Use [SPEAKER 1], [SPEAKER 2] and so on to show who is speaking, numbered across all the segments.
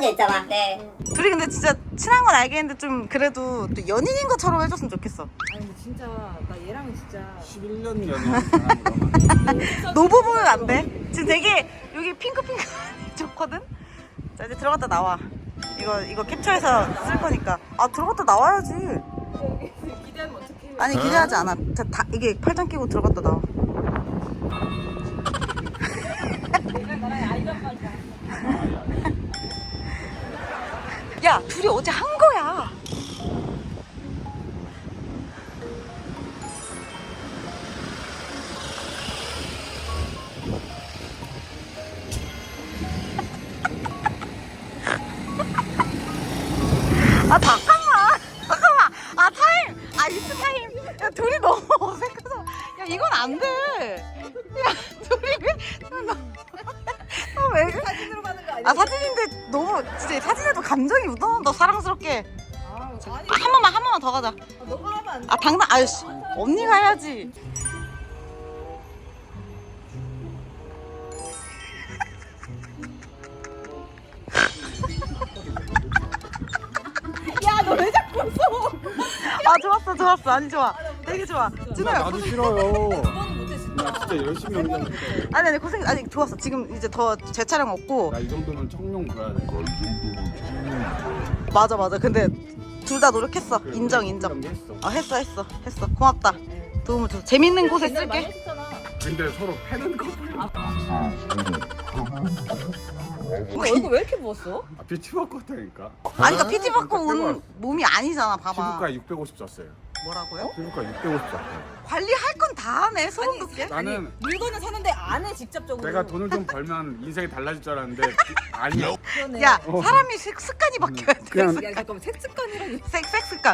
[SPEAKER 1] 남자 있잖아. 네.
[SPEAKER 2] 둘이 근데 진짜 친한 건 알겠는데 좀 그래도 또 연인인 것처럼 해줬으면 좋겠어.
[SPEAKER 3] 아니 근데 진짜 나 얘랑은 진짜
[SPEAKER 4] 11년 연애.
[SPEAKER 2] 노부 보면 안 돼. 지금 되게 여기 핑크핑크 좋거든. 자 이제 들어갔다 나와. 이거 캡처해서 쓸 거니까. 아 들어갔다 나와야지.
[SPEAKER 3] 기대하면 어떡해.
[SPEAKER 2] 아니 기대하지 않아. 자, 다 이게 팔짱 끼고 들어갔다 나와.
[SPEAKER 3] 내가 나랑 아이란 말이야.
[SPEAKER 2] 야 둘이 어제 한 거야. 아 잠깐만. 아 타임. 아 이트 타임. 야 둘이 너무 어색해서. 야 이건 안 돼. 야 둘이 왜?
[SPEAKER 3] 사진으로 가는 거 아니야?
[SPEAKER 2] 아 사진인데 너무 진짜 사진에도 감정이 묻어난다 사랑스럽게.
[SPEAKER 3] 아니
[SPEAKER 2] 한 번만 더 가자.
[SPEAKER 3] 너가 하면 안 돼.
[SPEAKER 2] 아 당당 아유씨 언니가 해야지.
[SPEAKER 3] 야 너 왜 자꾸 웃어?
[SPEAKER 2] 아 좋았어 아니 좋아 되게 좋아. 준호야
[SPEAKER 4] 나도 싫어요.
[SPEAKER 3] 그거는 못해 진짜.
[SPEAKER 4] 나 진짜 열심히 연기하는데.
[SPEAKER 2] 아니 고생 아니 좋았어. 지금 이제 더 재촬영 없고.
[SPEAKER 4] 나 이 정도면 청룡 줘야 돼.
[SPEAKER 2] 맞아 근데 둘 다 노력했어. 인정
[SPEAKER 4] 했어.
[SPEAKER 2] 했어 고맙다. 도움을 줘. 재밌는 곳에
[SPEAKER 3] 옛날에 많이
[SPEAKER 2] 쓸게.
[SPEAKER 3] 했었잖아.
[SPEAKER 4] 근데 서로 패는 커플.
[SPEAKER 3] 너 얼굴 왜 이렇게 부었어?
[SPEAKER 4] 아, 빛이 바꿨다니까.
[SPEAKER 2] 아니 그러니까 PT 받고 온 몸이 아니잖아 봐봐.
[SPEAKER 4] 피부과 650 썼어요.
[SPEAKER 2] 뭐라고요?
[SPEAKER 4] 피부과 650 썼어요.
[SPEAKER 2] 관리할 건 다 하네 소름 돋게.
[SPEAKER 4] 나는
[SPEAKER 3] 물건은 사는데 안 해 직접적으로.
[SPEAKER 4] 내가 돈을 좀 벌면 인생이 달라질 줄 알았는데 아니야.
[SPEAKER 3] 그러네.
[SPEAKER 2] 야 사람이 습관이 바뀌어야 돼.
[SPEAKER 4] 그냥
[SPEAKER 3] 야 잠깐만 색습관이라니.
[SPEAKER 2] 섹습관.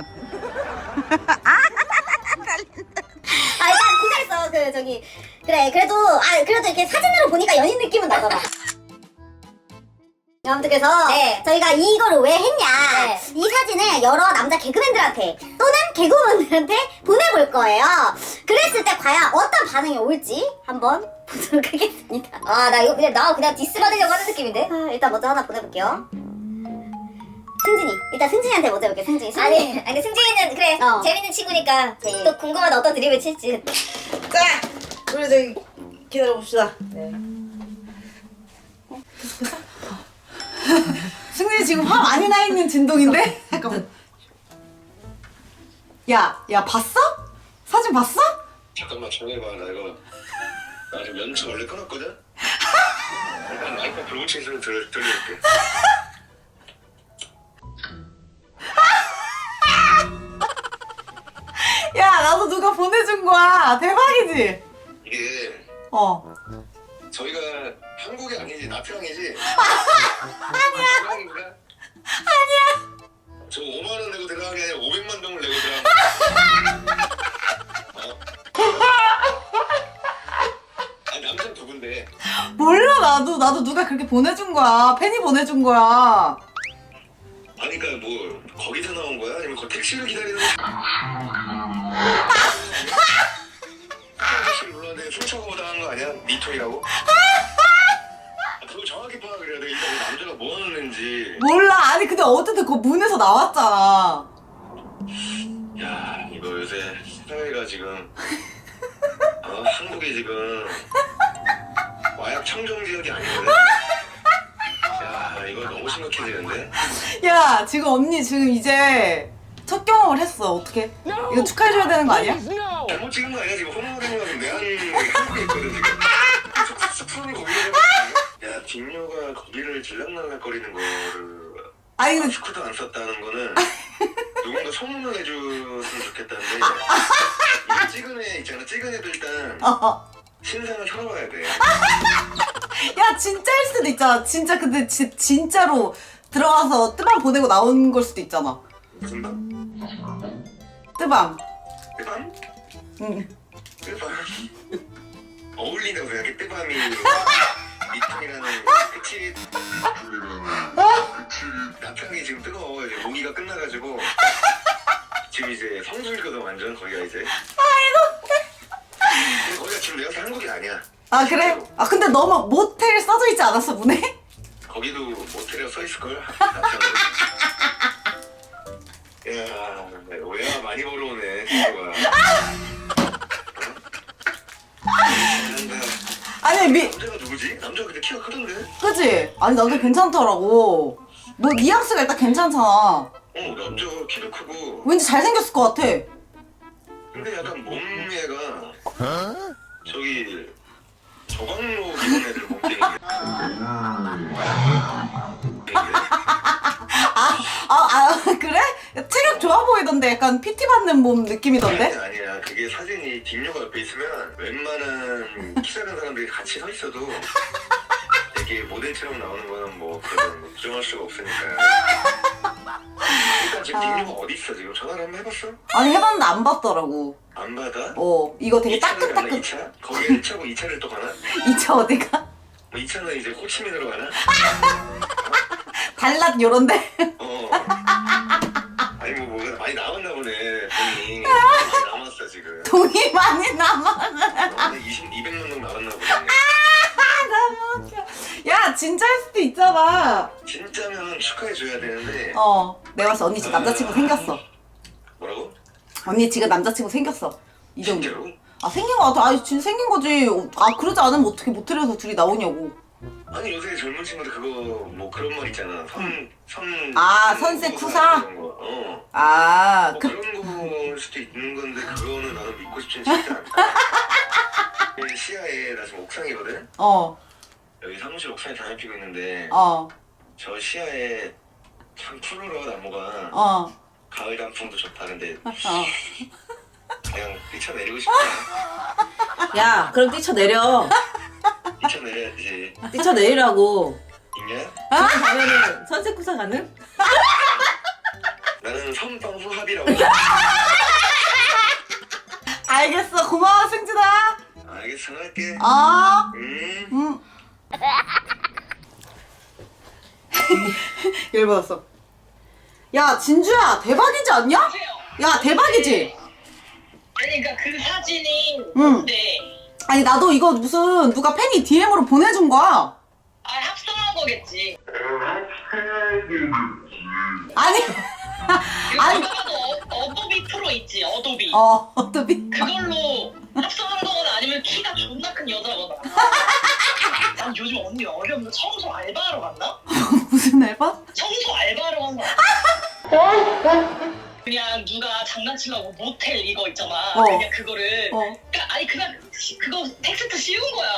[SPEAKER 1] 아 일단 고생했어. 그 저기 그래 그래도 그래도 이렇게 사진으로 보니까 연인 느낌은 나잖아. 아무튼 그래서 저희가 이거를 왜 했냐, 이 사진을 여러 남자 개그맨들한테 또는 개그우먼들한테 보내볼 거예요. 그랬을 때 과연 어떤 반응이 올지 한번 보도록 하겠습니다. 나 이거 그냥 디스 받으려고 하는 느낌인데. 일단 먼저 하나 보내볼게요. 승진이. 일단 승진이한테 먼저 해볼게. 승진이. 아니 근데 승진이는 그래 재밌는 친구니까 또 궁금하다 어떤 드립을 칠지.
[SPEAKER 2] 자 우리 저기 기다려 봅시다.
[SPEAKER 3] 네.
[SPEAKER 2] 승진이 지금 화 많이 나 있는 진동인데? 잠깐만. 야 봤어? 사진 봤어?
[SPEAKER 5] 잠깐만 정해봐. 나 지금 연습 원래 끊었거든? 일단 마이크 불붙인 소리 들려줄게.
[SPEAKER 2] 야 나도 누가 보내준 거야. 대박이지?
[SPEAKER 5] 이게 저희가 한국이 아니지 나트랑이지? 아니야. 아니야. 저 5만 원 내고 들어간 게 아니라 500만 동을 내고 들어간 거야. 아니 남자 누군데?
[SPEAKER 2] 몰라 나도 누가 그렇게 보내준 거야. 팬이 보내준 거야.
[SPEAKER 5] 아니 그니까 뭐 거기서 나온 거야? 아니면 그 택시를 기다리는 거야? 택시를 불렀는데 훔쳐가고 당한 거 아니야? 미토이라고? 그거 정확히 파악을 해야 돼. 이거 남자가 뭐 하는 애인지.
[SPEAKER 2] 몰라. 아니 근데 어쨌든 그 문에서 나왔잖아.
[SPEAKER 5] 야 이거 요새 사회가 지금 한국이 지금 마약 청정 지역이 아니거든. 야 이거 너무 심각해지는데.
[SPEAKER 2] 야 지금 언니 지금 이제 첫 경험을 했어. 어떻게? 이거 축하해줘야 되는 거 아니야?
[SPEAKER 5] 잘못 찍은 거 아니야? 지금 호모되면 내한 한국에 있거든 지금. 스푼이 거기를 해가지고. 야 뒷녀가 거기를 질랑날랑거리는 거를
[SPEAKER 2] 아니 근데
[SPEAKER 5] 마스크도 안 썼다는 거는 누군가 소문을 해줬으면 좋겠다는데 이 찍은 애 있잖아. 찍은 애도 일단 신상을 털어봐야 돼.
[SPEAKER 2] 야 진짜일 수도 있잖아. 진짜 근데 진짜로 들어가서 뜨밤 보내고 나온 걸 수도 있잖아.
[SPEAKER 5] 무슨 밤?
[SPEAKER 2] 뜨밤.
[SPEAKER 5] 뜨밤?
[SPEAKER 2] 응.
[SPEAKER 5] 뜨밤? 어울린다고 생각해. 뜨밤이 미통이라는 끝이 나탕이 지금 뜨거워. 이제 모기가 끝나가지고 지금 이제 성수일거든 완전 거기가 이제. 근데 거기가 지금 내가 사는 한국이 아니야.
[SPEAKER 2] 아 그래? 아 근데 너무 모텔 써져 있지 않았어 문에?
[SPEAKER 5] 거기도 모텔에 서 있을 걸. 야, 외화 많이 벌어오네 친구가.
[SPEAKER 2] 아니
[SPEAKER 5] 남자가 누구지? 남자가 근데 키가 크던데?
[SPEAKER 2] 그치? 아니 나도 괜찮더라고. 뭐 뉘앙스가 일단 괜찮잖아.
[SPEAKER 5] 남자가 키도 크고.
[SPEAKER 2] 왠지 잘생겼을 것 같아.
[SPEAKER 5] 근데 약간 몸매가 저기 저광로 기본 애들 몸뚱인데.
[SPEAKER 2] 그래? 체력 좋아 보이던데 약간 PT 받는 몸 느낌이던데?
[SPEAKER 5] 아니야. 그게 사진이 뒷료가 옆에 있으면 웬만한 키 작은 사람들이 같이 서 있어도 되게 모델처럼 나오는 거는 뭐 그런 거 부정할 수가 없으니까. 일단 지금 뒷료가 어디 있어 지금? 전화를 한번 해봤어?
[SPEAKER 2] 아니 해봤는데 안 받더라고.
[SPEAKER 5] 안 받아?
[SPEAKER 2] 이거 되게
[SPEAKER 5] 2차를 가나?
[SPEAKER 2] 따끈따끈.
[SPEAKER 5] 2차? 거기에 1차고 2차를 또 가나?
[SPEAKER 2] 2차 어디가?
[SPEAKER 5] 뭐 2차는 이제 호치민으로 가나?
[SPEAKER 2] 달랏 요런데?
[SPEAKER 5] 아니 뭐가 많이 남았나 보네 돈이. 많이 남았어 지금.
[SPEAKER 2] 돈이 많이 남아.
[SPEAKER 5] 200만 동 남았나 보네.
[SPEAKER 2] 너무 웃겨. 야 진짜일 수도 있잖아.
[SPEAKER 5] 진짜면 축하해줘야 되는데.
[SPEAKER 2] 내가 봤을 때 언니 지금 남자친구 생겼어.
[SPEAKER 5] 뭐라고?
[SPEAKER 2] 언니 지금 남자친구 생겼어. 이 정도.
[SPEAKER 5] 진짜로?
[SPEAKER 2] 아 생긴 거 같아. 아 진짜 생긴 거지. 아 그러지 않으면 어떻게 모텔에서 둘이 나오냐고.
[SPEAKER 5] 아니 요새 젊은 친구들 그거 뭐 그런 말 있잖아.
[SPEAKER 2] 선세 쿠사?
[SPEAKER 5] 그런 거. 뭐 그런 걸 수도 있는 건데 그거는 나는 믿고 싶진 진짜 않다. 시야에 나 지금 옥상이거든. 여기 사무실 옥상에 담배 피고 있는데 저 시야에 참 푸르러 나무가 가을 단풍도 좋다. 근데 그냥 뛰쳐내리고 싶다.
[SPEAKER 3] 야 그럼 뛰쳐내려.
[SPEAKER 5] 뛰쳐내려야지.
[SPEAKER 3] 뛰쳐내리라고.
[SPEAKER 5] 있냐?
[SPEAKER 3] 지금 가면은 선세쿠사 가는?
[SPEAKER 5] 나는 선방후 합이라고.
[SPEAKER 2] 알겠어. 고마워 승진아.
[SPEAKER 5] 알겠어 할게.
[SPEAKER 2] 열받았어. 야 진주야 대박이지 않냐? 야 대박이지?
[SPEAKER 6] 아니 그러니까 그 사진이
[SPEAKER 2] 응.
[SPEAKER 6] 뭔데?
[SPEAKER 2] 아니 나도 이거 무슨 누가 팬이 DM으로 보내준 거야.
[SPEAKER 6] 아 합성한 거겠지.
[SPEAKER 2] 아니
[SPEAKER 6] 이거
[SPEAKER 2] 아니.
[SPEAKER 6] 누가 봐도 어도비 프로 있지 어도비.
[SPEAKER 2] 어떻게?
[SPEAKER 6] 그걸로 합성한 거거나 아니면 키가 존나 큰 여자거나. 난 요즘 언니 어려운데 청소 알바하러 갔나?
[SPEAKER 2] 무슨 알바?
[SPEAKER 6] 청소 알바하러 간 거야. 그냥 누가 장난치려고 모텔 이거 있잖아. 그냥 그거를 그러니까 아니 그냥 그거 텍스트 씌운 거야.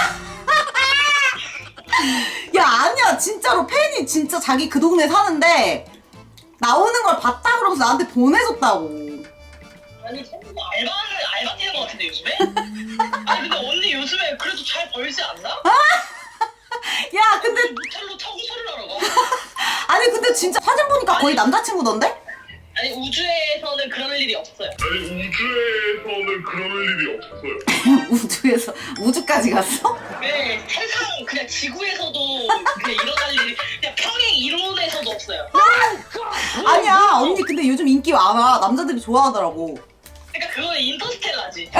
[SPEAKER 2] 야 아니야 진짜로 팬이 진짜 자기 그 동네 사는데 나오는 걸 봤다 그러면서 나한테 보내줬다고.
[SPEAKER 6] 아니 청소 알바 뛰는 거 같은데 요즘에? 아니 근데 언니 요즘에 그래도 잘 벌지 않나?
[SPEAKER 2] 야 근데
[SPEAKER 6] 모텔로 청소를 하러 가.
[SPEAKER 2] 아니 근데 진짜 사진 보니까 거의 남자친구던데?
[SPEAKER 6] 아니 우주에서는 그럴 일이 없어요.
[SPEAKER 2] 우주에서 우주까지 갔어?
[SPEAKER 6] 네 세상 그냥 지구에서도 그냥 일어날 일이 그냥 평행 이론에서도 없어요.
[SPEAKER 2] 아니야 언니 근데 요즘 인기 많아. 남자들이 좋아하더라고.
[SPEAKER 6] 그러니까 그거는 인터스텔라지.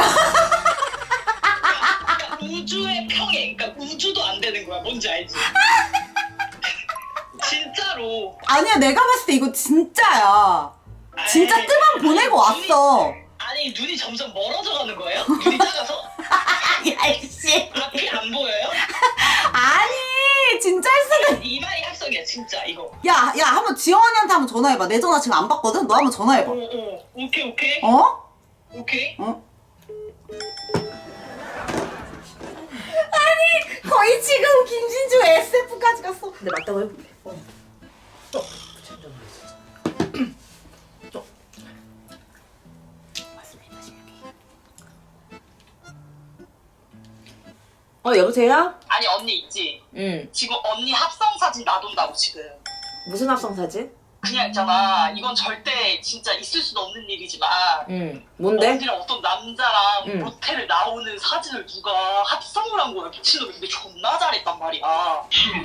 [SPEAKER 6] 그러니까 우주의 평행, 그러니까 우주도 안 되는 거야. 뭔지 알지? 진짜로.
[SPEAKER 2] 아니야 내가 봤을 때 이거 진짜야. 진짜 뜨만 보내고 왔어.
[SPEAKER 6] 아니 눈이 점점 멀어져 가는 거예요? 눈이 작아서?
[SPEAKER 2] 야이씨.
[SPEAKER 6] 앞이 안 보여요?
[SPEAKER 2] 아니 진짜일 수도.
[SPEAKER 6] 이 말이 합성이야 진짜 이거.
[SPEAKER 2] 야 한번 지원이한테 한번 전화해봐. 내 전화 지금 안 받거든. 너 한번 전화해봐.
[SPEAKER 6] 오케이. 오케이.
[SPEAKER 2] 아니 거의 지금 김신주 SF까지 갔어.
[SPEAKER 3] 근데 맞다고 해볼게. 여보세요?
[SPEAKER 6] 아니 언니 있지?
[SPEAKER 3] 응.
[SPEAKER 6] 지금 언니 합성 사진 놔둔다고 지금.
[SPEAKER 3] 무슨 합성 사진?
[SPEAKER 6] 그냥 있잖아. 이건 절대 진짜 있을 수도 없는 일이지만
[SPEAKER 3] 응. 뭔데?
[SPEAKER 6] 언니랑 어떤 남자랑
[SPEAKER 3] 응.
[SPEAKER 6] 모텔을 나오는 사진을 누가 합성을 한 거야. 미친놈이. 근데 존나 잘했단 말이야.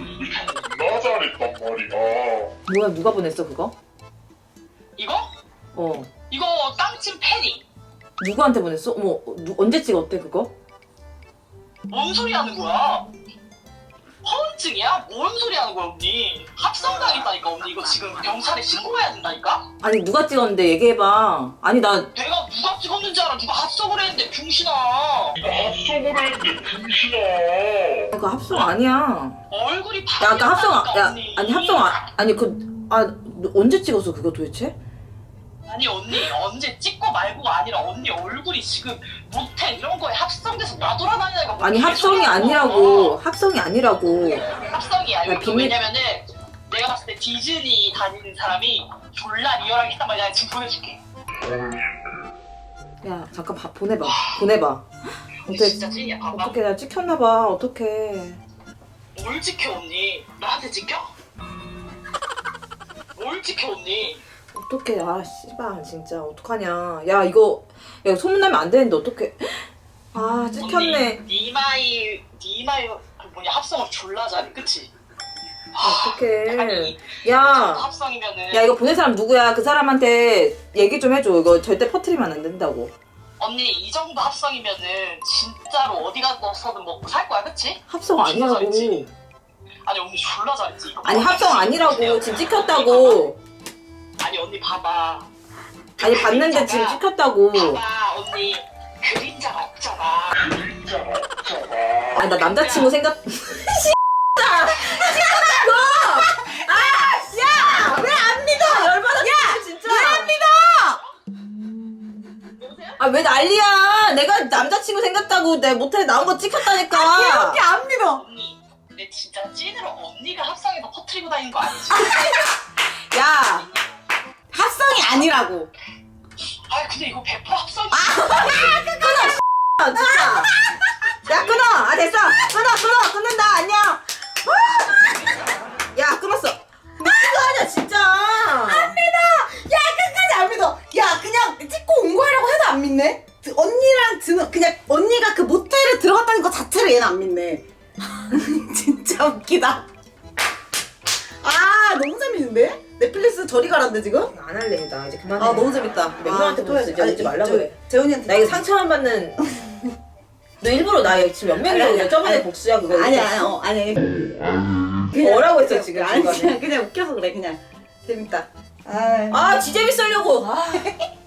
[SPEAKER 3] 뭐야 누가 보냈어 그거?
[SPEAKER 6] 이거?
[SPEAKER 3] 어.
[SPEAKER 6] 이거 깡친 팬이.
[SPEAKER 3] 누구한테 보냈어? 어머 언제 찍었대 그거?
[SPEAKER 6] 뭔 소리 하는 거야? 허언증이야? 뭔 소리 하는 거야 언니? 합성당했다니까 언니. 이거 지금 경찰에 신고해야 된다니까?
[SPEAKER 3] 아니 누가 찍었는데 얘기해봐. 아니 나
[SPEAKER 6] 내가 누가 찍었는지 알아. 누가 합성을 했는데 병신아. 합성을 했는데 병신아.
[SPEAKER 3] 그거 합성 아니야.
[SPEAKER 6] 얼굴이
[SPEAKER 3] 야 아까 합성 야
[SPEAKER 6] 언니.
[SPEAKER 3] 아니 합성 아니 너 언제 찍었어 그거 도대체?
[SPEAKER 6] 아니 언니 언제 찍고 말고가 아니라 언니 얼굴이 지금 모텔 이런 거에 합성돼서 나돌아다니니까 뭐
[SPEAKER 3] 아니 합성이
[SPEAKER 6] 개소리야.
[SPEAKER 3] 아니라고. 합성이 아니라고.
[SPEAKER 6] 합성이 아니고
[SPEAKER 3] 비밀-
[SPEAKER 6] 왜냐면은 내가 봤을 때 디즈니 다니는 사람이 졸라 리얼하게 했단 말이야. 지금 보내줄게.
[SPEAKER 3] 야 잠깐 보내봐.
[SPEAKER 6] 언니
[SPEAKER 3] 어때?
[SPEAKER 6] 진짜 찐이야. 봐봐.
[SPEAKER 3] 어떻게 나 찍혔나봐. 어떡해.
[SPEAKER 6] 뭘 지켜 언니? 나한테 지켜? 뭘 지켜 언니?
[SPEAKER 3] 어떡해. 아 씨발 진짜 어떡하냐. 야 이거 소문나면 안 되는데 어떡해. 아 찍혔네.
[SPEAKER 6] 언니 니마이 그 뭐냐 합성을 졸라 잘해. 그치?
[SPEAKER 3] 어떡해.
[SPEAKER 6] 아니
[SPEAKER 3] 야.
[SPEAKER 6] 합성이면은
[SPEAKER 3] 야 이거 보낸 사람 누구야? 그 사람한테 얘기 좀 해줘. 이거 절대 퍼뜨리면 안 된다고.
[SPEAKER 6] 언니 이 정도 합성이면은 진짜로 어디 가서든 먹고 살 거야. 그치?
[SPEAKER 3] 합성 아니라고.
[SPEAKER 6] 잘했지? 아니 언니 졸라 잘했지. 이거
[SPEAKER 3] 아니
[SPEAKER 6] 봐봐.
[SPEAKER 3] 합성 아니라고.
[SPEAKER 6] 언니
[SPEAKER 3] 지금 찍혔다고.
[SPEAKER 6] 아니 언니 봐봐.
[SPEAKER 3] 아니 봤는데 지금 찍혔다고.
[SPEAKER 6] 봐봐 언니 그림자가 없잖아.
[SPEAKER 3] 아 나 남자친구 생각. 아 왜 난리야? 내가 남자친구 생겼다고 내 모텔에 나온 거 찍혔다니까.
[SPEAKER 2] 안 믿어.
[SPEAKER 6] 언니 근데 진짜 찐으로 언니가 합성해서 퍼뜨리고 다니는 거 아니지?
[SPEAKER 2] 야 합성이 아니라고.
[SPEAKER 6] 아 근데 이거 100% 합성이
[SPEAKER 3] 아, 진짜. 야 끊어. 아 됐어. 끊는다. 안녕. 야 끊었어. 미친 거 아니야 진짜.
[SPEAKER 2] 야 끝까지 안 믿어. 야 그냥 찍고 온 거라고 해도 안 믿네. 언니랑 드는 그냥 언니가 그 모텔에 들어갔다는 거 자체를 얘는 안 믿네. 진짜 웃기다. 아 너무 재밌는데? 넷플릭스 저리 가란데 지금?
[SPEAKER 3] 안 할래 나 이제 그만해.
[SPEAKER 2] 아 너무 재밌다.
[SPEAKER 3] 멤버한테 또 해야지. 이제 오지 말라고
[SPEAKER 2] 저-
[SPEAKER 3] 그래.
[SPEAKER 2] 재훈이한테
[SPEAKER 3] 나 이거 상처만 받는. 너 일부러 나 지금 몇 명이라고
[SPEAKER 2] 아니,
[SPEAKER 3] 그냥 저번에
[SPEAKER 2] 아니.
[SPEAKER 3] 복수야 그거.
[SPEAKER 2] 아니
[SPEAKER 3] 뭐라고 했어 지금
[SPEAKER 2] 아니
[SPEAKER 3] 중간에.
[SPEAKER 2] 그냥 웃겨서 그래 그냥 재밌다.
[SPEAKER 3] 아 지재미 쓰려고. 아.